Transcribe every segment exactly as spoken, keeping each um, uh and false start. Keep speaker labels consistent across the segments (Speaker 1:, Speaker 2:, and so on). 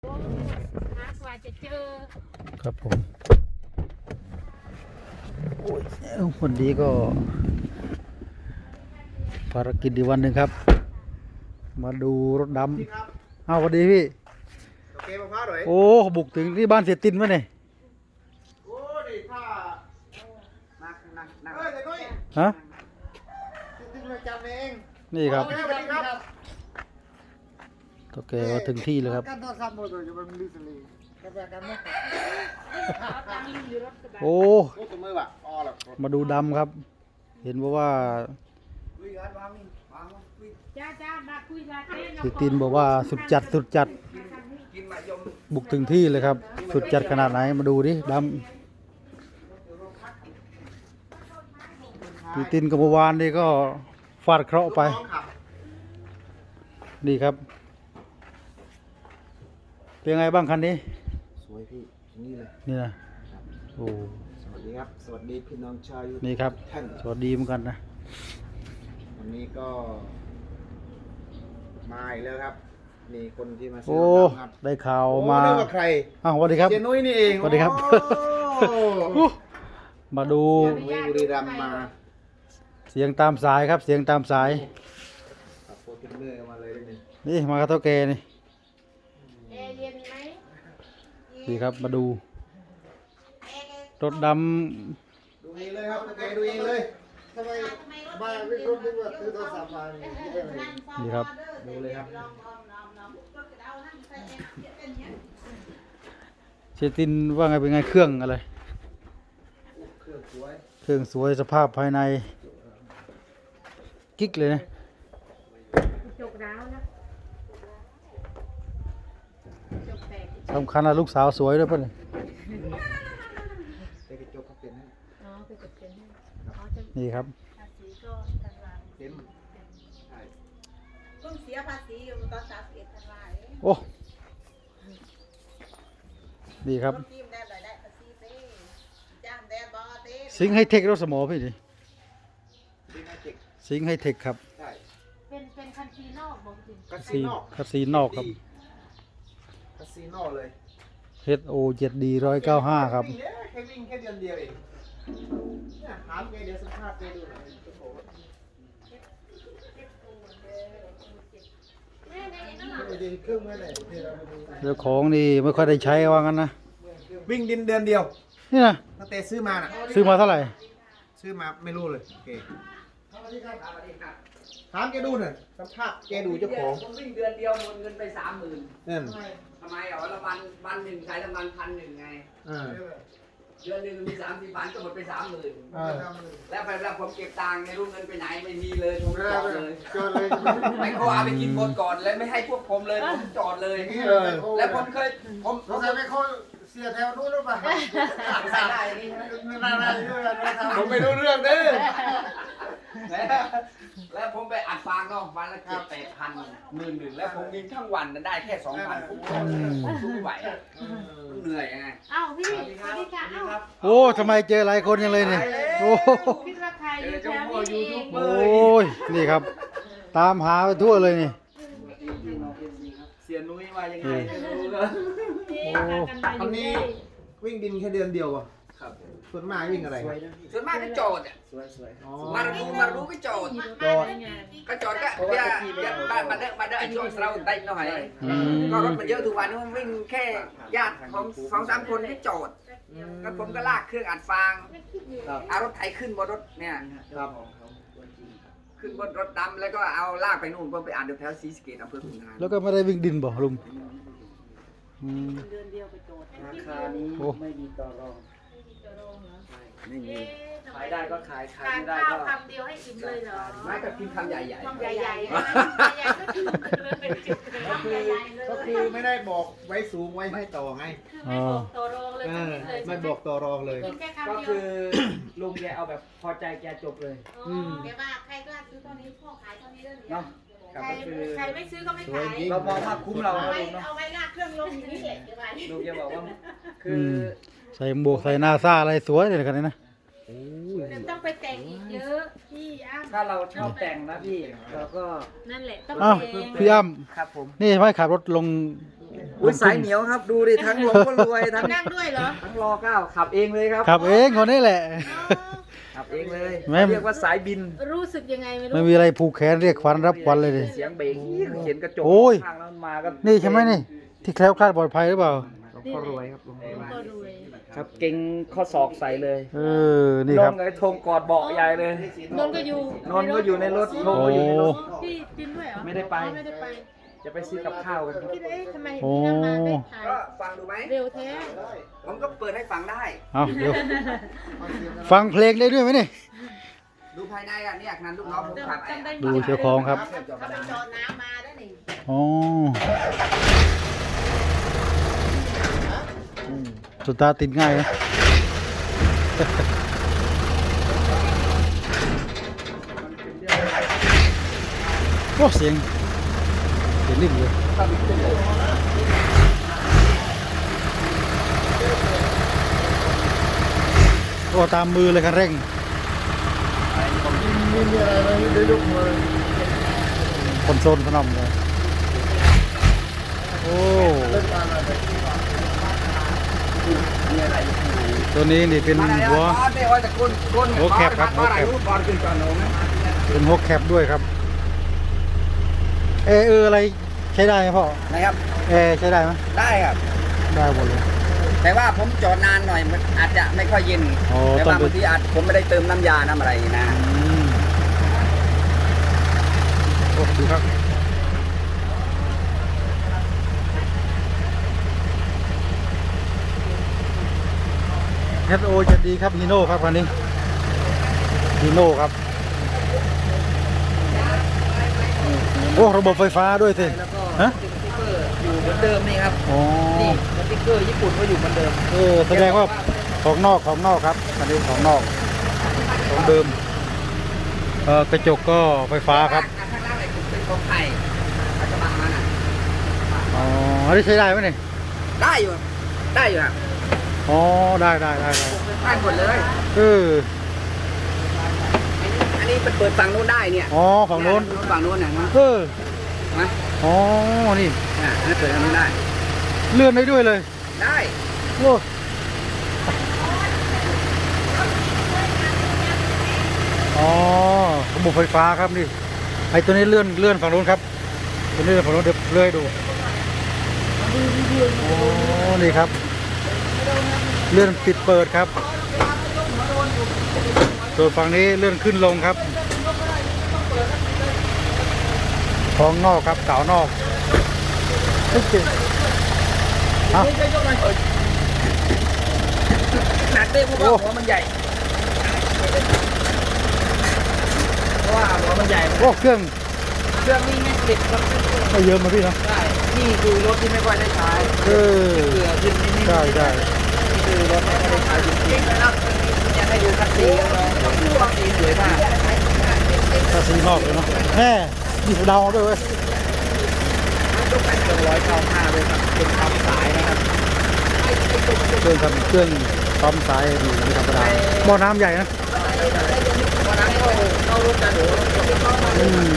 Speaker 1: หากว่าจะเจอ
Speaker 2: ครับผมโอ้ยวันนี้ก็ภารกิจอีกวันหนึ่งครับมาดูรถดำอ้าวสวัสดีพี่
Speaker 3: โอเคมะพร้าวหน่อย
Speaker 2: โอ้บุกถึงที่บ้านเสียตินวะเนี่ย
Speaker 3: โอ้ดิถ้านักนักนักเฮ้ยเดี๋ยวนุ้ย
Speaker 2: ฮะ
Speaker 3: ติดประจำเอง
Speaker 2: นี่ครับ
Speaker 3: สวัสดีครับ
Speaker 2: โอเคมาถึงที่เลยครับ
Speaker 3: การทอดซ้ำหมดเลยจะเป็นลิสลีกันแบบกันไหม
Speaker 2: โอ้
Speaker 3: โอ้ตัวมือว่ะอ๋อหรอ
Speaker 2: มาดูดำครับ เห็นบอกว่า
Speaker 3: คุยกันวางนี่วางคุย
Speaker 1: จ้าจ้ามาคุยลาเต้
Speaker 2: เสียตินบอกว่าสุดจัดสุดจัด
Speaker 3: กินมายม
Speaker 2: บุกถึงที่เลยครับ สุดจัดขนาดไหนมาดูดิดำพี่ตินกับเมื่อวานนี่ก็ฟาดเคราะห์ไปนี่ครับเป็นไงบ้างคันนี้
Speaker 3: สวยพี่นี่เลย
Speaker 2: นี่นะโอ้
Speaker 3: สวัสดีครับสวัสดีพี่น้องชาวยู
Speaker 2: นี่ครับ
Speaker 3: ท่าน
Speaker 2: สวัสดีเหมือนกันนะ
Speaker 3: วันนี้ก็มาอีกแล้วครับนี่คนที่มาซื้
Speaker 2: โอ้
Speaker 3: อครับ
Speaker 2: ได้ข่าว
Speaker 3: โอ้
Speaker 2: มา
Speaker 3: นึกว่าใคร
Speaker 2: อ้าวสวัสดีครับ
Speaker 3: เจนุ้ยนี่เอง
Speaker 2: สวัสดีครับ
Speaker 3: โอ้
Speaker 2: มาดู
Speaker 3: เจนุ้ยบุรีรัมย์มา
Speaker 2: เสียงตามสายครับ เสียงตามสาย
Speaker 3: ขับโฟร์จูเนอร์มาเลยได้ไหม
Speaker 2: นี่มากระเท่าแกนี่
Speaker 1: แอร์เย็นไหม
Speaker 2: นี่ครับมาดูรถด
Speaker 3: ดูเองเลยครับโอเคดูเองเลยทำไมบ้านไม่ครบนึกว่าซื้อโทรศัพท์มาเนี่ย
Speaker 2: ำนี่ครับ
Speaker 3: ดูเลยครับ
Speaker 2: เชตินว่าไงเป็นไงเครื่องอะไร
Speaker 3: เครื่องสวย
Speaker 2: เครื่องสวยสภาพภายในกิ๊กเลยนะ
Speaker 1: จกร้าวนะจกแตก
Speaker 2: สำคัญนะลูกสาวสวยด้วยป่ะเนี่ย
Speaker 3: แต่กระจกเขาเป็นให้
Speaker 1: อ๋อไปจกเป็นให้อ๋อจะ
Speaker 2: นี่ครับ
Speaker 1: ภาษีก็ตาราง
Speaker 3: เต็มใช่
Speaker 4: เพิ่งเสียภาษีอยู่ตอนสามสิบเอ็ดธันวาคม
Speaker 2: โอ้นี่ครับ
Speaker 4: รถทีมแดนหน่อยได้ภาษีเต้จ้างแดนบอเต้
Speaker 2: สิงห์ไฮเทครถสมอพี่ดิ
Speaker 3: ดีนะเจ็ก
Speaker 2: สิงห์ไฮเทคครับ
Speaker 3: ใช่
Speaker 1: เป็นเป็นคันซีนอกบอกจริง
Speaker 3: คา
Speaker 2: ซี
Speaker 3: สิโน
Speaker 2: คาซีนอกครับ
Speaker 3: คาสิโนเลย
Speaker 2: เฮดโอเจ็ดดีร้อยเก้าห้าครับ
Speaker 3: วิ่งเนี่ยแค่วิ่งแค่เดือนเดียวเองเนี่ยถามแกเดี๋ยวสัมภาษณ์แกดูหน่อยโอ้โหไม่ได้เครื่องไม่ได้ที่เราไปดู
Speaker 2: เจ้าของนี่ไม่ค่อยได้ใช้ว่างั้นนะ
Speaker 3: วิ่งดินเดือนเดียว
Speaker 2: นี่นะ
Speaker 3: ตั้งแต่ซื้อมาน่ะ
Speaker 2: ซื้อมาเท่าไหร่
Speaker 3: ซื้อมาไม่รู้เลยโอเคถามแกดูหน่อยสัมภาษณ์แกดูเจ้าของ
Speaker 5: ผมวิ่งเดือนเดียวหมดเงินไปสามหมื่น
Speaker 3: นั่น
Speaker 5: ทำไมอ๋อละวันวันหนึ่งใช้ละวันพันหนึ่งไง
Speaker 3: อ่า
Speaker 5: เดือนหนึ่งมีสามสี่พันก็หมดไปสามหมื่น
Speaker 3: อ่า
Speaker 5: แล้วไปแล้วผมเก็บตังค์ไม่รู้เงินไปไหนไม่มีเลยผมจอดเลย
Speaker 3: เกินเลย
Speaker 5: ไม่เขาเอาไปกินหมดก่อนแล้วไม่ให้พวกผมเลยผมจอดเลย
Speaker 3: เออ
Speaker 5: แล้วผมเคยผมผ
Speaker 3: เรา
Speaker 5: ม
Speaker 3: จะไม่ค่อยเสียแถวนู้นหรือเปล่า
Speaker 5: ใส่ได้อย่างนี้ใช่ไหม
Speaker 3: ผมไม่รู้เรื่องเด้อ
Speaker 5: แล้วแล้วผมไปอัดฟางเนาะวันละเจ็ดแปดพันหมื่นหนึ่งแล้วผมวิ่งทั้งวันนั้นได้แค่สองพันผมจอดเลยผมสู้ไม่ไหวอะมันเหนื่อยไง
Speaker 1: เอ้าพี่สวัสดีค่ะเอ้า
Speaker 2: โอ้ทำไมเจอหลายคนยังเลยเนี่ยโอ้
Speaker 1: คิดว่าใครอยู่แถวนี้เอง
Speaker 2: โอ้ยนี่ครับ ตามหาไปทั่วเลยนี่
Speaker 5: เสียนุ้ยว่ายังไงไม่รู้เลย
Speaker 1: นี่พากันมาอยู่นี่
Speaker 3: วิ่งดินแค่เดือนเดียวอ่ะ
Speaker 5: ครับ
Speaker 3: ส่วนมากวิ่งอะไร
Speaker 5: ส่วนมากก็โจดอ่ะ
Speaker 3: อ๋อ
Speaker 5: มาดูมาดูก็โจด
Speaker 3: จอด
Speaker 5: ก็โจดก็เดี๋ยวเดี๋ยวบ้านมาเด้อมาเด้อไอ้ช่วงเราได้หน่อย
Speaker 2: อืม
Speaker 5: ก็รถมันเยอะทุกวันนี้มันวิ่งแค่ญาติของสองสามคนที่โจดก็ผมก็ลากเครื่องอัดฟาง
Speaker 3: ครับ
Speaker 5: เอารถไถขึ้นบนรถเนี่ย
Speaker 3: ครับ
Speaker 5: ขึ้นบนรถดำแล้วก็เอาลากไปนู่นเพื่อไปอ่านเดี๋ยวแถวศรีสะเกษอำเภอขุนหาร
Speaker 2: แล้วก็ไม่ได้วิ่งดินบ่ลุงอืม
Speaker 4: เดือนเดียวไปโจทย์
Speaker 6: ราคานี้
Speaker 2: โอ้
Speaker 6: ไม่มีต่อรอง
Speaker 5: ไม่มี
Speaker 6: ขายได้ก็ขายขาย
Speaker 1: ทาน
Speaker 6: ไม่ได้
Speaker 1: ข้าว
Speaker 6: ก็
Speaker 1: คำเดียวให้อิ่มเลยเหรอ
Speaker 5: ไม่ก็กินคำใหญ่
Speaker 1: ใหญ่ใหญ่ใหญ่ก็คือเลยเป็นจุดเป็น
Speaker 3: ก็คือ
Speaker 1: ใหญ่ๆเลย
Speaker 3: ก็คือไม่ได้บอกไว้สูงไว้ให้ต่อไง
Speaker 1: คือไม่บอกตัวรองเลย
Speaker 3: เอ
Speaker 1: สัก
Speaker 3: อ
Speaker 1: นิดเลย
Speaker 3: ไม่บอกต่อรองเลย
Speaker 1: กินแค่คำ
Speaker 6: ก็
Speaker 1: เดียว
Speaker 6: คือลุงแกเอาแบบพอใจแกจบเลย
Speaker 1: อืม
Speaker 4: แกว่าใครก็ซื้อเท่านี้พ่อขายเท่านี้เรื่องนี้
Speaker 6: เนาะ
Speaker 1: ใครใครไม่ซื้อก็ไม่ขาย
Speaker 6: เรามองว่าคุ้มเรา
Speaker 4: เอา
Speaker 6: นะ
Speaker 4: ไว้
Speaker 6: ลุงเนาะ
Speaker 4: เอาไว้ลากเครื่องลงอย่างนี้แหละแกว่า
Speaker 6: ลุงแกบอกว่าคือ
Speaker 2: มใส่หมวกใส่หน้าซ่าอะไรสวยเลยกันนี่นะ
Speaker 1: แต่ต้องไปแต่งอีกเยอะพี่อ้ำ
Speaker 6: ถ้าเราชอบแต่งนะพี่เราก็
Speaker 1: นั่นแหละต้อง
Speaker 2: อ้าว
Speaker 1: แต่ง
Speaker 2: พี่อ้ำ
Speaker 6: ครับผม
Speaker 2: นี่ไม่ขับรถลง
Speaker 6: อุ้ยสายเหนียวครับ ดูดิทั้งลงก็รวยทั้ง
Speaker 1: นั่งด้วยเหรอ
Speaker 6: ทั้งรอเก้าขับเองเลยครับ
Speaker 2: ขับเองคนนี้แหละ
Speaker 6: ขับเองเลย
Speaker 2: ไม่
Speaker 6: เรียกว่าสายบิน
Speaker 1: รู้สึกยังไงไม่รู้
Speaker 2: ไม่มีอะไรผูกแขนเรียกควันรับควันเลยดิ
Speaker 6: เสียงเบรกเขียนกระจก
Speaker 2: โอ้ย
Speaker 6: ข้างแล้วมันมาก็
Speaker 2: นี่ใช่ไหมนี่ ที่แคล้วคลาดปลอดภัยหรือเปล่า
Speaker 6: ก็รวยครับลุง
Speaker 1: ก็รวย
Speaker 6: ครับเก่งข้อศอกใส่เลย
Speaker 2: เออ นี่
Speaker 6: ล
Speaker 2: ครับ
Speaker 6: งไอ้ธงกอดเบาะใหญ่เลย
Speaker 1: นนท์ก็อยู่
Speaker 6: นนท์ก็อยู่ในรถธง
Speaker 2: โอ้
Speaker 6: ก็อยู่ในรถ
Speaker 1: พี่จินด้วยเหรอ
Speaker 6: ไม่ได้ไป
Speaker 1: อ๋อไม่ได้ไป
Speaker 6: จะไปซื้อกับข้าวกันครับ
Speaker 1: คิดเอ๊ะทำไม
Speaker 2: โอ้
Speaker 1: พี่นั่งมาได้ถ่าย
Speaker 5: ก็ฟังดูไหม
Speaker 1: เร็วแท้
Speaker 5: ผมก็เปิดให้ฟังได้
Speaker 2: เอาเดี๋ยวฟังเพลงได้ด้วยไหมนี่
Speaker 5: ดูภายในอ่ะเนี่ยงานลูกน้องผมขับไอ้
Speaker 1: จำได้
Speaker 2: ดูเจ้าของครับ
Speaker 4: เขาไปจอดน้ำมาได้นี่
Speaker 2: อ๋อสตาร์ทติดง่ายนะ โอ้เสียงเสียงนิ่มเลยโอ้ตามมือเลยคันเร่ง
Speaker 3: มีมีอะไรไหมได้ยกมือ
Speaker 2: คนโซนขนมเลยโอ้
Speaker 3: เล่นมาอะไร
Speaker 5: มีอะไรอยู่ข้างใน
Speaker 2: ตัวนี้นี่เป็น
Speaker 5: มาแล้ว
Speaker 2: หัว
Speaker 5: บอสเนี่ยว่าจะก้นก้น
Speaker 2: หัวแคบครับหัวแคบ
Speaker 5: บอสขึ้นก่อนหนูนะ
Speaker 2: เป็นหัวแคปด้วยครับเออเอออะไรใช้ได้ไหมพ่อ
Speaker 5: นะครับ
Speaker 2: เออใช้ได้ไหม
Speaker 5: ได้ครับ
Speaker 2: ได้หมดเลย
Speaker 5: แต่ว่าผมจอดนานหน่อยมันอาจจะไม่ค่อยเย็น
Speaker 2: อ๋อ
Speaker 5: แต่
Speaker 2: ต้อง
Speaker 5: ว่า
Speaker 2: ดู
Speaker 5: บางทีอาจผมไม่ได้เติมน้ำยาน้ำอะไรนะ
Speaker 2: อืมโอ้ดูครับเอสโอจะดีครับฮีโน่ครับคันนี้ฮีโน่ครับโอ้ระบบไฟฟ้าด้วยสิ
Speaker 6: แล้วก็
Speaker 2: ฮะ
Speaker 6: สติ๊กเกอร์อยู่เหมือนเดิมนี่ครับ
Speaker 2: อ๋อ
Speaker 6: นี่สติ๊กเกอร์ญี่ปุ่นก็อยู่เหมือนเดิม
Speaker 2: เออแสดงว่าของนอกของนอกครับอันนี้ของนอกของเดิมเออกระจกก็ไฟฟ้าครับ
Speaker 5: ข้างล่างเลยเป็นของไทยปัจจุบันมาน่ะ
Speaker 2: อ๋ออันนี้ใช้ได้ไหมเนี่ย
Speaker 5: ได้อยู่ได้อยู่ครับ
Speaker 2: อ๋อได้ได้ได้ได้
Speaker 5: ได้หมดเลย
Speaker 2: เออ
Speaker 5: อันนี้เป็นเปิดฝั่งนู้นได้เนี่ย
Speaker 2: อ๋อฝั่งโน้น
Speaker 5: ฝั่งนู้นน่ะนะ
Speaker 2: เออ
Speaker 5: นะ
Speaker 2: อ๋อนี่
Speaker 5: อ่ะอันนี้เปิดทางนู้นได้
Speaker 2: เลื่อนได้ด้วยเลย
Speaker 5: ได้
Speaker 2: โอ้อ๋อระบบไฟฟ้าครับนี่ไอตัวนี้เลื่อนเลื่อนฝั่งโน้นครับตัวนี้เลื่อนฝั่งโน้นเดี๋ยวเลื่อยดูอ๋อนี่ครับ เลื่อนปิดเปิดครับส่วนฝั่งนี้เลื่อนขึ้นลงครับของนอกครับเก่านอกโอเคเอา
Speaker 5: หนักเต้เพราะว่าหัวมันใหญ่
Speaker 6: เพราะว่าหัวมันใหญ่
Speaker 2: โอ้เครื่อง
Speaker 6: เครื่องนี้ไม่ติดครับ
Speaker 2: ไม่เยอะมาพี่เนาะ
Speaker 6: ได้นี่คือรถที่ไม่ค่อยได้ใช้
Speaker 2: เออ
Speaker 6: เกลือขึ้นนิดๆ
Speaker 2: ใช่ใช่
Speaker 6: นี่คือรถไม่ค่อยได้ใช้จริงๆนะครับอยากให้ดูคันสีกันเลยคันสีสวยมาก
Speaker 2: ภาษีนอกเลยเนาะแม่มีดาวด้วยเว้ย
Speaker 6: เครื่องร้อยเก้าห้าเลยครับเป็นทำสายนะครับ
Speaker 2: เครื่องทำเครื่องปั๊มสายนี่ไม่ธรรมดาหม้อน้ำใหญ่นะ
Speaker 6: วันนั้นก็เข้ารถกันหนู
Speaker 2: อืม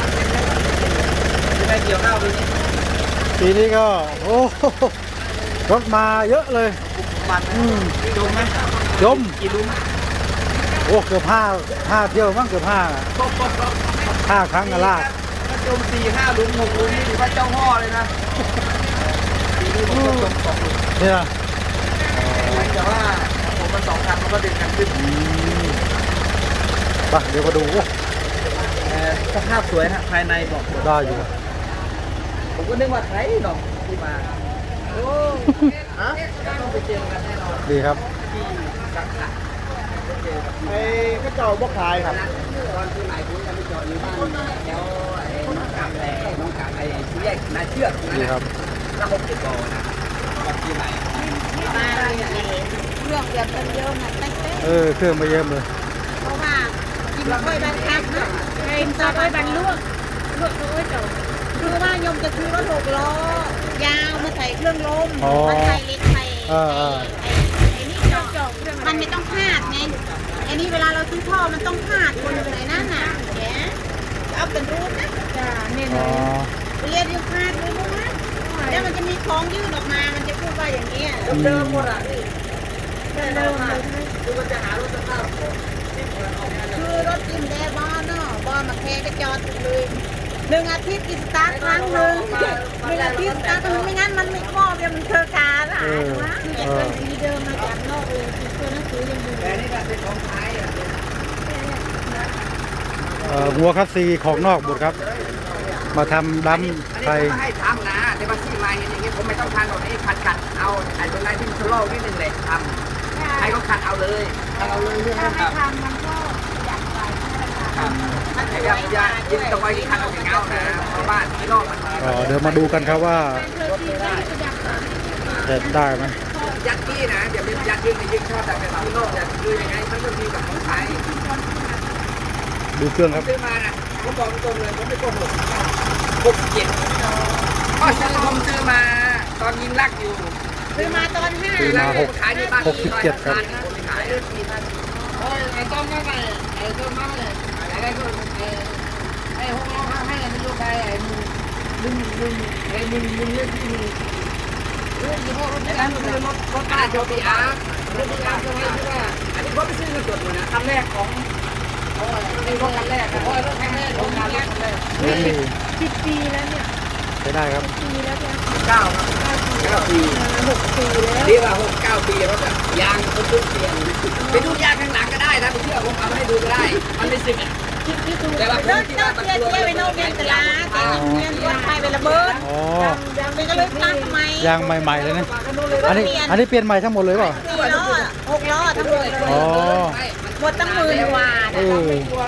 Speaker 6: จะได้เกี่ยวข้าวปีนี้
Speaker 2: ปีนี้ก็โอ้โหรถมาเยอะเลย
Speaker 6: มัน
Speaker 2: อืม
Speaker 6: จมไหม
Speaker 2: จม
Speaker 6: กี่ลุ้ม
Speaker 2: โอ้เกือบห้าห้าเที่ยวมั้งเกือบห้าห้าครั้งอะลาก
Speaker 6: ถ้าจมสี่ห้าลุ้มหกลุ้มนี่ถือว่าเจ้าพ่อเลยนะปีนี้ผมก็จมสองลุ้ม
Speaker 2: เนี่ย
Speaker 6: แต่ว่าผมมันสองคันมันก็ดึงกันขึ้น
Speaker 2: อืมไปเดี๋ยวมาดูโอ้
Speaker 6: เอ่อสภาพสวยฮะภายในบอกหมด
Speaker 2: ได้อยู่นะ
Speaker 6: ผมก็นึกว่าไทยหนอกที่มาโอ้ฮะต้องไปเจอกันแน่นอน
Speaker 2: ดีครับ
Speaker 6: ที่สังขะเจอกับ
Speaker 3: ไอ้ก็เจ้าบ่ขายครับ
Speaker 5: ตอนที่ไหนผมจะไปจอดอยู่บ้านแล้วไอ้น้องกาแฟน้องกาไอ้ที่แยกนาเชือกนั่น
Speaker 2: ดี
Speaker 5: นะครับ แล้วผมติดต่อนะตอนที่ไหน
Speaker 4: มาเรื่องเดียวกันเยอะหมดตั้งแต่
Speaker 2: เออเครื่องมาเยี่ยมเลย
Speaker 4: เพราะว่ากินกล้วยบางครั้งนะ
Speaker 1: เป็นซอยบันลวกลวกโอ้ยเจ้า
Speaker 4: คือว่ายมจะซื้อรถหกล้อยาวมาใส่เครื่องลม
Speaker 2: อ๋อ
Speaker 4: มันใส่เล็กใส่
Speaker 2: เออเออ
Speaker 4: ไอ้ไอ้นี่เจาะ
Speaker 1: จอกเครื่องอะไร
Speaker 4: มันไม่ต้องพาดไงไอ้นี่เวลาเราซื้อท่อมันต้องพาดคนไหนนั่นน่ะแกเอาเป็นรูปนะ
Speaker 1: จ้าเนี่ย
Speaker 2: อ๋
Speaker 1: นะ
Speaker 2: อ
Speaker 4: เรียนอยู่พาดรู้ไหม
Speaker 1: ไอ้
Speaker 4: แล้วมันจะมีของยื่นออกมา มันจะพูดว่าอย่างนี้
Speaker 6: เดิมหมดอ่ะนี่เดิมเลยคือมันจะหารถสภาพ
Speaker 4: คือรถจิ้มแดบ้านเนาะบ้านมาแค่ก็จอดเลยหนึ่งอาทิตย์กินสตาร์ทครั้งหนึ่งหนึ่งอาทิตย์สตาร์ทครั้งไม่งั้นมันไม่ครอบเดี๋ยวมันเคอะคาหายนะคือจะเป็นสีเดิมมาจากนอกเลยคือตัวหนังสือยังอยู่
Speaker 6: แต่นี่ก็เป็นของไทยอ่ะ
Speaker 2: เอ่อหัวคัสซีของนอกหมดครับ มาทำดั้มไทย
Speaker 5: ให้ทำนะแต่บางที่มาเห็นอย่างนี้ผมไม่ต้องทำหรอกนี่ขัดขัดเอาไอ้ตรงไหนที่มันชะลอนิดนึงเลยทำใครก็ขัดเอาเลยขัดเอาเลยใช่ไหม
Speaker 4: ถ้า
Speaker 5: ครับ
Speaker 4: ไม่ทำมันก็อยากไป
Speaker 5: มันจะยังยังยินตะไว้ที่ขัดเอาอย่างเงานะเพราะบ้านที่นอกมัน
Speaker 2: เอ่อเดี๋ยวมาดูกันครับว่าจะได้ไหม
Speaker 5: ยัดที่นะอย่าเป็นยัดยืนในยืนชอบแต่เป็นที่นอกอย่าคือยังไงมันก็มีแบบของไทย
Speaker 2: ดูเครื่องครับ
Speaker 5: ซื้อมานะผมบอกตรงเลยผมไม่โกหกหกเจ็ดก็ซื้อผมซื้อมาตอนยิงลักอยู่
Speaker 4: ซื้อมาตอนห้า
Speaker 2: ซื้อมาหก
Speaker 5: ขายที่บ้าน
Speaker 2: หกสิบเจ็ดครับ
Speaker 5: ขายได้สี่พัน
Speaker 6: ไอ้ต้มมาไงไอ้ต้มมาไงไอ้ไอ้ก็ไอ้ห้องเราให้มันอยู่ไปไอ้มึงมึงไอ้มึงมึงเล่นที่มึงเรื่องที่พ่อรถ
Speaker 5: แล้วคือรถรถกระดาษโจบีอาร์
Speaker 6: รถยางใช่ไหมที่ว่า
Speaker 5: อันนี้ผมไปซื้อเงินสดอยู่นะคันแรกของไอ้รถคันแรกนะ
Speaker 6: โอ้ยรถคันแรกรถคันแรกคันแรก
Speaker 2: เรื่องนี้
Speaker 4: สิบปีแล้วเนี่ย
Speaker 2: ใช้ได้ครับ
Speaker 4: ปีแล้วเนี่ย
Speaker 5: เก้าครับเก้าปี
Speaker 4: หกปีแล้ว
Speaker 5: เรียกว่าหกเก้าปีรถอะยางเขาซื้อเปลี่ยนไปดูยางข้างหลังก็ได้นะไปเชื่อผมเอามาให้ดูก็ได้ มันไม่สึกอ่ะ
Speaker 4: คิดคิดดูเลิกเลิกเที่ยวเที่ยวไปโน่นเรียนตลาดแต่เรียนวันไทยไประเบิด
Speaker 2: อ๋อ
Speaker 4: ยังเป็นก็เลยตั้งทำไม
Speaker 2: ยางใหม่ๆเลยนะ อันนี้อันนี้เปลี่ยนใหม่ทั้งหมดเลยเปล่า
Speaker 4: สี่ล้อหกล้อทั้งหมดเลย
Speaker 2: อ๋อ
Speaker 4: หมดตั้งหมื่นกว่า
Speaker 2: เออ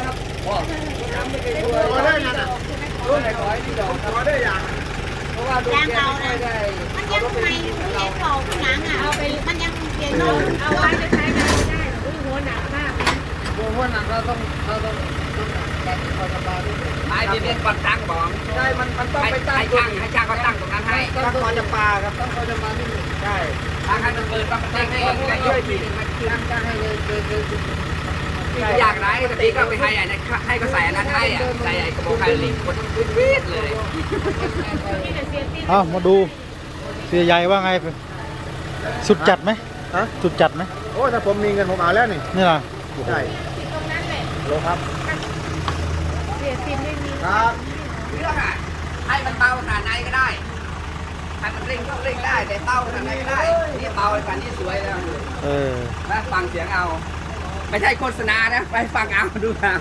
Speaker 6: ตัวได้ยังอ่ะรุ่นไหนขอให้ที่ดอกขอได้ยังเพราะว่าดู
Speaker 4: ยาง
Speaker 6: แก
Speaker 4: เก่า
Speaker 6: ไม่
Speaker 4: นะ
Speaker 6: ได้
Speaker 4: มันยังใหม่อยู่ไม่ใช่เก่าข้างหลังอ่ะเอาไปมันยังเปลี่ยนโน่น
Speaker 1: เอาไว้จะใช้งานไม่ได้หรอกอุ้ยหัวหนักมาก
Speaker 6: ตัวพวกนั้นเราต้องเราต้องต้องแบบคอยสบายด้วย
Speaker 5: ไอ้ที่เป็นปัดตั้งบอก
Speaker 6: ใช่มันมันต้อง
Speaker 5: ให้
Speaker 6: ไปตั้ง
Speaker 5: ให้
Speaker 6: ตัว
Speaker 5: ช่างให้ช่างเขาตั้งตรงนั้นให้
Speaker 6: ต้องคอยจะปลาครับต้องคอยจะมาที่นี่ใช่
Speaker 5: ทางให้มันเปิดปั๊บมันตั้งให้มันได้ช่วยทีนึงมัน
Speaker 6: ตั้งตั้งให้เลยเลยเลย
Speaker 5: อยากไรปกติก็ไปให้ไอ้นะให้ก็ใส่อันนั้นให้อ่ะใส่ไอ้กระบอกไฮลิงคนวิดเลย
Speaker 1: มีแต่เสียติด
Speaker 2: เอามาดูเสียใหญ่ว่าไง สุดจัดไหม
Speaker 3: ฮะ
Speaker 2: สุดจัดไหม
Speaker 3: โอ้ถ้าผมมีเงินผมเอาแล้วนี่
Speaker 2: นี่ล่ะ
Speaker 3: ใช่
Speaker 1: ตรงนั้นแหละ
Speaker 3: โลครับ
Speaker 1: เสียติดไม่มี
Speaker 3: ครับ
Speaker 5: เรื่องอ่ะให้มันเบาขนาดไหนก็ได้ให้มันเร่งก็เร่งได้แต่เบาขนาดไหนก็ได้นี่เบาขนาดนี้สวยแล้ว
Speaker 2: เออ
Speaker 5: นะฟังเสียงเอา ไม่ใช่โฆษณานะไปฟังเอาดูเอา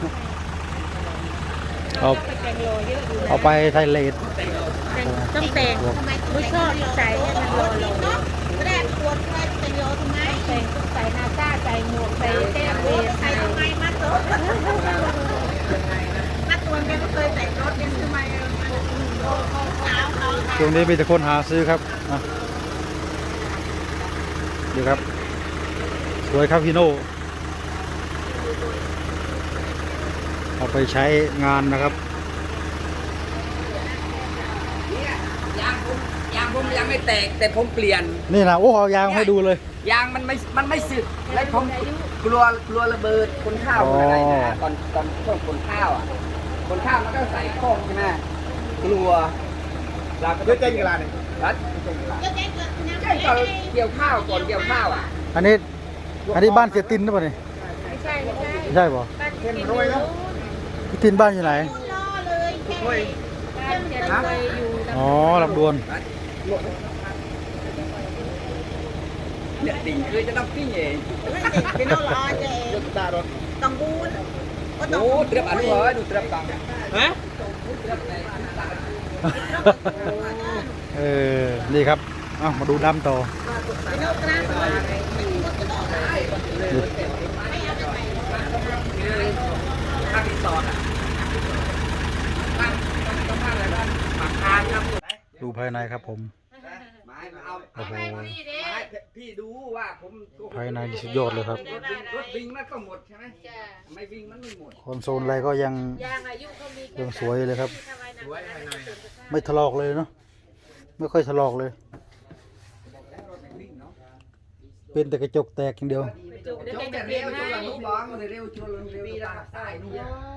Speaker 2: เอา
Speaker 1: ไปแต่งโลเยอะอยู่นะ
Speaker 2: เอาไปไทยเลด
Speaker 1: ต้องแต่งไม่ชอบใส่ให้มันโลโล
Speaker 4: แรกปวดแรกเป็นโยทำไม
Speaker 1: แต่งต้องใส่หน้าต้าใส่หมวกใส่แก้มเวร
Speaker 4: ใส่
Speaker 1: ใส่
Speaker 4: ทำไมมัดตัวมัดตัวแกก็เคยแต่งรถยังทำไมสาวเขา
Speaker 2: ช่วงนี้มีแต่คนหาซื้อครับอ่ะดูครับ สวยครับพี่โน่เอาไปใช้งานนะครับ
Speaker 5: เนี่ยยางผมยางผมยังไม่แตกแต่ผมเปลี่ยน
Speaker 2: นี่นะโอ้เอายางให้ดูเลย
Speaker 5: ยางมันไม่ มันไม่สึก และผมกลัวกลัวระเบิดคนข้าวคนอะไรนะตอนตอนช่วงคนข้าวอ่ะ คนข้าวมันก็ใส่ข้องใช่ไหมกลัวเราก็
Speaker 3: เยอะเจ๊งกี่ล้านเนี่ย
Speaker 5: รัด
Speaker 4: ก็แจ้งเกิดนะ
Speaker 5: ใช่ตอนเกี่ยวข้าวก่อนเกี่ยวข้าวอ่ะ
Speaker 2: อันนี้อันนี้บ้านเสียตินหรือเปล่าเนี่ย
Speaker 1: ไม่ใช่ไม่ใช่
Speaker 2: ไม่ใช่ป่ะ
Speaker 1: บ้านที่กินอยู่
Speaker 2: พี่ตินบ้านอยู่ไหน
Speaker 4: ล้อเลยแค่
Speaker 1: บ้านจะเคยอยู่
Speaker 2: อ๋อลำดวน
Speaker 5: เนี่ยติ่งคือจะต้องปิ้งเอง
Speaker 4: เป็นล้อล้อเจ๊
Speaker 3: รถตารถ
Speaker 4: ต้องบูนก็ต้อง
Speaker 5: โอ้เตรียมอันนี้เหรอดูเตรียมตังฮะ
Speaker 2: เออ นี่ครับเอามาดูดำต่อ
Speaker 4: เป็นล้อกระสวย
Speaker 5: ข้างรีสอร์ทอ่ะบ้านต้องบ้านอะไรบ้านปากทางครับ
Speaker 2: ดูภายในครับผม
Speaker 5: ไม้มาเอา
Speaker 2: โอ้โห
Speaker 5: ไม้พี่ดูว่าผม
Speaker 2: ภายในนี่สุดยอดเลยครับ
Speaker 5: รถวิ่งรถวิ่งมันก็หมดใช่ไหมไม่วิ่งมันไม่หมด
Speaker 2: คอนโซลอะไรก็ยัง
Speaker 1: ยางอายุเขามี
Speaker 2: ยังสวยเลยครับ
Speaker 5: สวยภายในอะ
Speaker 2: ไม่ถลอกเลยเนาะ ไม่ค่อยถลอกเลย เป็นแต่กระจกแตกอย่างเดียว
Speaker 1: จุกเดี๋ยว
Speaker 5: จ
Speaker 1: แก
Speaker 5: บ
Speaker 1: จะ
Speaker 5: แต่
Speaker 1: เปลี่
Speaker 5: เร็
Speaker 1: ยน
Speaker 5: วจ
Speaker 1: ให้
Speaker 5: นลูกร้องเลยเร็วชนเร็วตาสายนู่น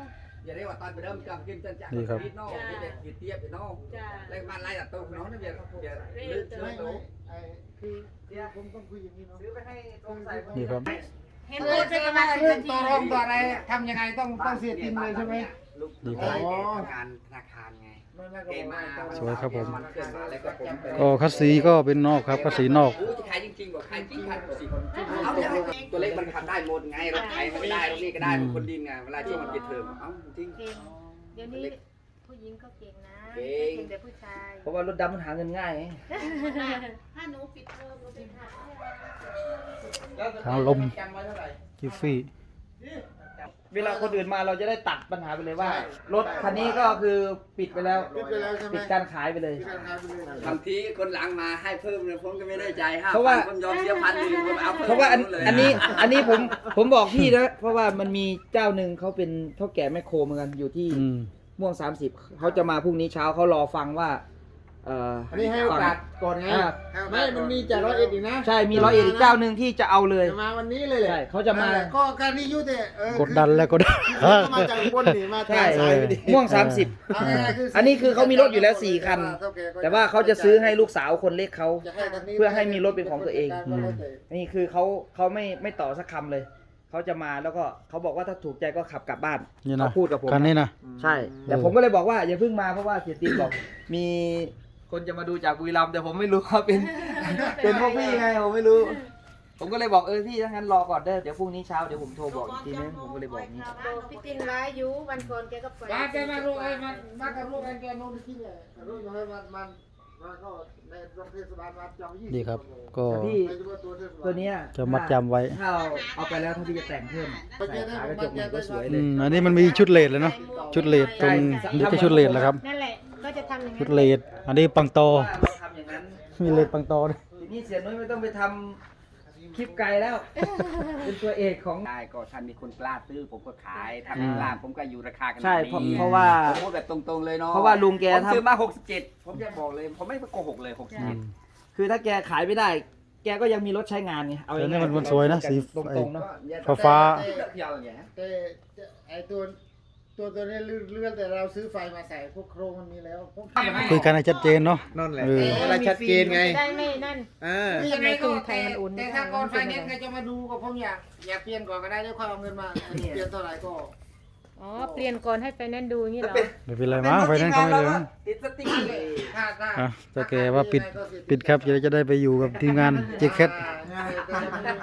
Speaker 5: อย่าเรียกว่าตอนไปเริ่มจำกินจันจักร
Speaker 2: นี่ครับ
Speaker 5: นิดน้องนี่เด็กกินเตี้ยไปน้อง
Speaker 1: จ้า
Speaker 5: แล้วบ้านไรตัดตัวน้องนั่นเบียร์เบียร์ลึกเชื้อ
Speaker 3: ไม่
Speaker 5: โต
Speaker 3: ไม่ไอ้คือคือผมต้องคุยอย่างนี้เนาะ
Speaker 5: ซื้อไปให้ตรงใส่
Speaker 2: นี่ครับ
Speaker 1: เห็นเลยเป็นประมาณ
Speaker 6: เรื่องต่อรองต่ออะไรทำยังไงต้องต้องเสียติมเลยใช่ไหม
Speaker 5: ลูก
Speaker 2: นี่ครับ
Speaker 5: งานธนาคารไง
Speaker 3: ไม่ไม่ก็
Speaker 5: เก
Speaker 3: บอ
Speaker 5: ม
Speaker 3: ก
Speaker 5: มา
Speaker 3: ว่า
Speaker 2: สวยครับผม
Speaker 5: นเคลื่อนมาแล้วก็ผมไป
Speaker 2: ก็คัสซีก็เป็นนอกครับคัสซีนอก
Speaker 5: โอ้จะขายจริงๆบอกขายจริงขายสิเอาอย่างตัวเล็กมันขับได้หมดไงรถไถมันก็ได้รถนี่ก็ได้คนดินไงเวลาช่วงมันปิดเทอมเอ้าจริง
Speaker 1: เก่งเดี๋ยวนี้ผู้หญิงก็เก่งนะ
Speaker 5: เก่ง
Speaker 1: เก่งแต่ผู้ชาย
Speaker 6: เพราะว่ารถดำมันหาเงินง่าย
Speaker 1: ถ้าหนูปิดเทอมหนูไปหา
Speaker 2: ทางลม จิฟฟี่
Speaker 6: เวลาคนอื่นมาเราจะได้ตัดปัญหาไปเลยว่า รถคันนี้ก็คือปิดไปแล้ว
Speaker 3: ปิดไปแล้วใช่ไหม
Speaker 6: ปิดการขายไปเลย
Speaker 3: ที่การขายไปเลย
Speaker 5: บางทีคนหลังมาให้เพิ่มเลยผมก็ไม่ได้ใจห้า
Speaker 6: เพราะว่า
Speaker 5: ผมยอมเสียพันหนึ่งผมเอา
Speaker 6: เพราะว่าอัน
Speaker 5: เลย
Speaker 6: อันนี้อันนี้ผมผมบอกพี่นะเพราะว่ามันมีเจ้าหนึ่งเขาเป็นเท่าแก่แมคโครเหมือนกันอยู่ที่
Speaker 2: อืม
Speaker 6: ม่วงสามสิบเขาจะมาพรุ่งนี้เช้าเขารอฟังว่าเอ่อ
Speaker 3: อันนี้ให้โอกาสก่อนไง
Speaker 6: อ่า
Speaker 3: ไม่มันมีจากร้อยเอ็ดอีกนะ
Speaker 6: ใช่มีร้อยเอ็ดอีกเจ้าหนึ่งที่จะเอาเลย
Speaker 3: จะมาวันนี้เลยแหละ
Speaker 6: ใช่เขาจะมา
Speaker 3: นั่นแหลก็การนี้ยุติเออก
Speaker 2: ดดันแล้วกดดัน
Speaker 3: คือก็มาจากอุบนนี่มา
Speaker 6: ใช่
Speaker 3: ทางสายพอดี
Speaker 6: ม่วงสามสิบ
Speaker 3: เอาง่ายๆคือ
Speaker 6: อันนี้คือเขามีรถอยู่แล้วสี่คัน แต่ว่าเขาจะซื้อให้ลูกสาวคนเล็กเขา
Speaker 3: จะให้คันนี้
Speaker 6: เพื่อให้มีรถเป็นของตัวเอง
Speaker 3: ก็แล้วแต่
Speaker 6: นี่คือเขาเขาไม่ไม่ต่อสักคำเลย เขาจะมาแล้วก็เขาบอกว่าถ้าถูกใจก็ขับกลับบ้าน
Speaker 2: นี่นะ
Speaker 6: เขาพูดกับผม
Speaker 2: คันนี้นะ
Speaker 6: ใช่ แต่ผมก็เลยบอกว่าอย่าเพิ่งมาเพราะว่าเสียตินบอก มีคนจะมาดูจากบุรีรัมย์แต่ผมไม่รู้ว่าเป็น เป็นพวกพี่ไงผมไม่รู้ ผมก็เลยบอกเออพี่ถ้างั้นรอก่อนเด้อเดี๋ยวพรุ่งนี้เช้าเดี๋ยวผมโทรบอกอีกทีนึงผมก็เลยบอกนี้
Speaker 1: บอกพี่ตินร้ายอยู่วันก่อนแกก็ปล่อย
Speaker 6: มาแกมาลูกไอ้มามากับลูกไอ้แกนู้น
Speaker 3: ที่เนี่ยรู้อยู่ให้มันมันมันก็ในโรงเทศบาลมาจองยี่สิบ
Speaker 2: ดีครับ ก็
Speaker 6: แต่พี่
Speaker 3: ไม่รู้ว่าตัวเทศบาล
Speaker 6: ตัวเนี้ย
Speaker 2: จะมัดจำไว้
Speaker 6: ถ้าเอาเอาไปแล้วถ้าพี่จะแต่งเพิ่มใส่ขากระจกใหม่ก็สวยเล
Speaker 2: อื
Speaker 6: ย
Speaker 2: มอันนี้มันมีชุดเลดเลยเนาะชุดเลดตรงนี่ก็ชุดเลดแล้วครับ
Speaker 1: นั่นแหละก็จะทำอย่าง
Speaker 2: ชุ
Speaker 1: นั้
Speaker 2: ด
Speaker 1: น
Speaker 2: เลดอันนี้ปังโต
Speaker 6: ว่าเราทำอย่างนั้น
Speaker 2: มีเลดปังโตด้วย
Speaker 6: ทีนี้เสียนุ้ยไม่ต้องไปทำคลิปไกลแล้ว เป็นตัวเอกของ
Speaker 5: ได้ก็ท่านมีคนกล้าซื้อผมก็ขายถ้าไม่กล้าผมก็อยู่ราคากัน
Speaker 6: ใช่เพราะเพราะว่า
Speaker 5: ผมพูดแบบตรงๆเลยเนาะ
Speaker 6: เพราะว่าลุงแก
Speaker 5: ผม
Speaker 6: ทำ
Speaker 5: ซื้อมาหกสิบเจ็ดผมจะบอกเลยผมไม่โกหกเลยหกสิบ
Speaker 2: อื
Speaker 5: เจ็ด
Speaker 2: ม
Speaker 6: คือถ้าแกขายไม่ได้ แกก็ยังมีรถใช้งานไงเอา
Speaker 2: แต่
Speaker 6: ง่ายๆ
Speaker 2: นี่มันมันสวยนะสี
Speaker 6: ตรงๆเนาะ
Speaker 2: ฟ้าฟ้า
Speaker 5: เขียวอย่างเงี้ย
Speaker 3: แต่ไอตัวตัวตัวนี้เลื่อนแต่เราซื้อไฟมาใส่พวกโครงมันมีแล้วพวก
Speaker 2: คุยกันให้ชัดเจนเนาะ
Speaker 3: นั่นแหละ
Speaker 2: เออ
Speaker 3: เวลาชัดเจนไง
Speaker 1: ได้ไม่นั่น
Speaker 3: อ่า
Speaker 1: ทำไมกรุงไทยมันอุ่น
Speaker 6: แต่ถ้าก่อนไฟแนนซ์ใครจะมาดูก็ผมอยากอยากเปลี่ยนก่อนก็ได้
Speaker 3: ได้ค่อยเอาเงินมาเปลี่ยนเท่าไหร่ก็
Speaker 1: อ๋อเปลี่ยนก่อนให้ไฟแนนซ์ดูอย่างนี้เหรอ
Speaker 2: ไม่เป็นไรมั้งไฟนั้นเขาไม่เลยมั้ง
Speaker 5: ติดสติ๊กเกอร์
Speaker 6: ถ้าถ้า
Speaker 2: อ่ะแต่แกว่าปิดปิดครับจะได้จะได้ไปอยู่กับทีมงานเจคแคท
Speaker 3: ง่ายแต่ยังไม่ได้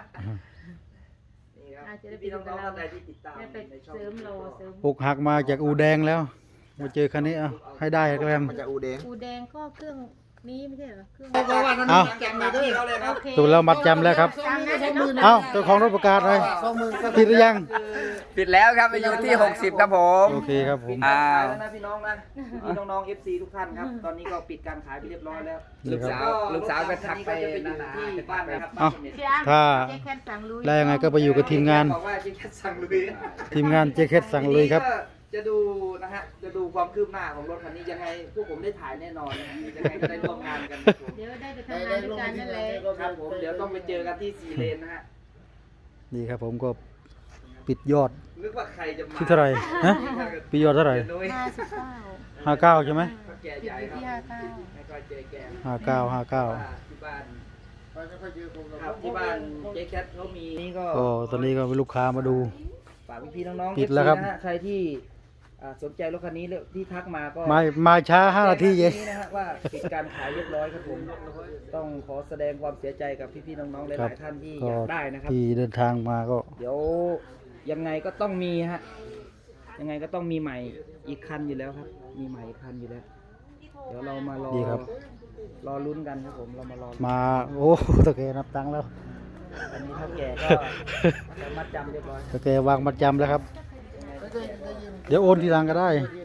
Speaker 6: นี่ครับ
Speaker 1: อาจจะได้ไป
Speaker 6: พี่
Speaker 1: ดู
Speaker 6: น้อง
Speaker 1: กับ
Speaker 6: ๆ
Speaker 1: เรา
Speaker 6: ท่านใดที่ติดตาม
Speaker 1: ได้ไป
Speaker 6: ในช่อง
Speaker 1: เสริมโลเสริม
Speaker 2: อกหักมาจากอูแดงแล้ว มาเจอคันนี้เอาให้ได้แกล้ม
Speaker 3: มันจะอูแดง
Speaker 1: อูแดงก็เครื่องนี้ไม่ใช่เหรอเครื่อง
Speaker 3: เพราะว่านั้น
Speaker 2: เอา
Speaker 3: แกะมาด้วย
Speaker 6: เขาเลยครับ
Speaker 1: โอเค
Speaker 2: ถูกแล้วมัดจำแล้วครับ
Speaker 3: สองหมื่นสองหมื่น
Speaker 2: เอ้าเจ้าของรถประกาศเลย
Speaker 3: สองหมื่นก็
Speaker 2: ผิดหรือยัง
Speaker 5: ปิดแล้วครับไปอยู่ที่หกสิบครับผม
Speaker 2: โอเคครับผม
Speaker 5: อ่า
Speaker 6: ขายแล้วนะพี่น้องนะพี่น้องๆ เอฟ ซี ทุกท่านครับ ตอนนี้ก็ปิดการขายไปเรียบร้อยแล้ว
Speaker 2: นี่ครับ
Speaker 5: ลูกสาวก็ทักไป
Speaker 6: จะไปอยู่ที่บ้านนะครับ
Speaker 2: เอ้า
Speaker 6: บ้นสมเด็จ
Speaker 1: เชียร์
Speaker 2: ถ้า
Speaker 1: เจ๊แคทสั่งลุย
Speaker 2: ได้ยังไงก็ไปอยู่กับทีมงาน
Speaker 6: บอกว่าเจ๊แคทสั่งลุย
Speaker 2: ทีมงานเจคแคทสั่งเลยครับ
Speaker 6: ทีนี้ก็จะดูนะฮะ จะดูความคืบหน้าของรถคันนี้ยังไงพวกผมได้ถ่ายแน่นอนนะฮะยังไงก็ได้ร่วมงานกันครับผม
Speaker 1: เดี๋ยวได้ไป
Speaker 3: ได้
Speaker 1: ทำงา
Speaker 3: ได้
Speaker 1: นด้
Speaker 3: ล
Speaker 1: วย
Speaker 3: ง
Speaker 1: กัน
Speaker 3: ที่
Speaker 1: นั่น
Speaker 3: ไห
Speaker 1: แห
Speaker 3: น
Speaker 1: ละ
Speaker 3: ก็
Speaker 6: ครับผมเดี๋ยวต้องไปเจอกันที่สี่เลนนะฮะ
Speaker 2: นี่ครับผมก็ปิดยอด
Speaker 6: นึกว่าใครจะมา
Speaker 2: ที่เท่าไหร่ฮะปิดยอดเท่าไหร่
Speaker 6: เดี๋ยวนุ้ย
Speaker 1: ห้าสิบเก้า
Speaker 2: ห้าเก้าใช่ไหม
Speaker 6: แก
Speaker 1: ปิด
Speaker 6: ใหญ่
Speaker 1: อยู่
Speaker 6: ครับ
Speaker 1: ที่ห้าเก้า
Speaker 6: ไม่ค่อยเจอแก
Speaker 2: ห้าเก้าห้าเก้า
Speaker 6: ที่บ้าน
Speaker 3: ไปไม่ค่อยเจอผมหรอก
Speaker 6: ครับที่บ้านเจ๊แคทเขามีนี่ก็
Speaker 2: ก็ตอนนี้ก็มีลูกค้ามาดู
Speaker 6: ฝากพี่ๆน้องๆ
Speaker 2: ปิดแล้วครับ
Speaker 6: เอฟซีนะฮะใครที่อ่าสนใจรถคันนี้แล้วที่ทักมาก็
Speaker 2: มามาช้าห้านาทีเอง
Speaker 6: นี่นะฮะว่าปิดการขายเรียบร้อยครับผมต้องขอแสดงความเสียใจกับพี่ๆน้องๆห
Speaker 2: ครั
Speaker 6: ลา
Speaker 2: บ
Speaker 6: ยๆท่านที่
Speaker 2: ก็
Speaker 6: อยากได้นะครับ
Speaker 2: ที่เดินทางมาก็
Speaker 6: เดี๋ยวยังไงก็ต้องมีฮะยังไงก็ต้องมีใหม่อีกคันอยู่แล้วครับ มีใหม่อีกคันอยู่แล้ว เดี๋ยวเรามารอ
Speaker 2: ดีครับ
Speaker 6: รอลุ้นกันครับผมเรามารอลุ้น
Speaker 2: มาโอ้ตะแกนับตังค์แล้ว
Speaker 6: อันนี้เท่าแก่ก็จะมัดจำเรียบร้อย
Speaker 2: ตะแกวางมัดจำแล้วครับ
Speaker 3: ไม่ได้ได้ยิน
Speaker 2: เดี๋ยวโอนทีหลังก็ได้
Speaker 3: เรียน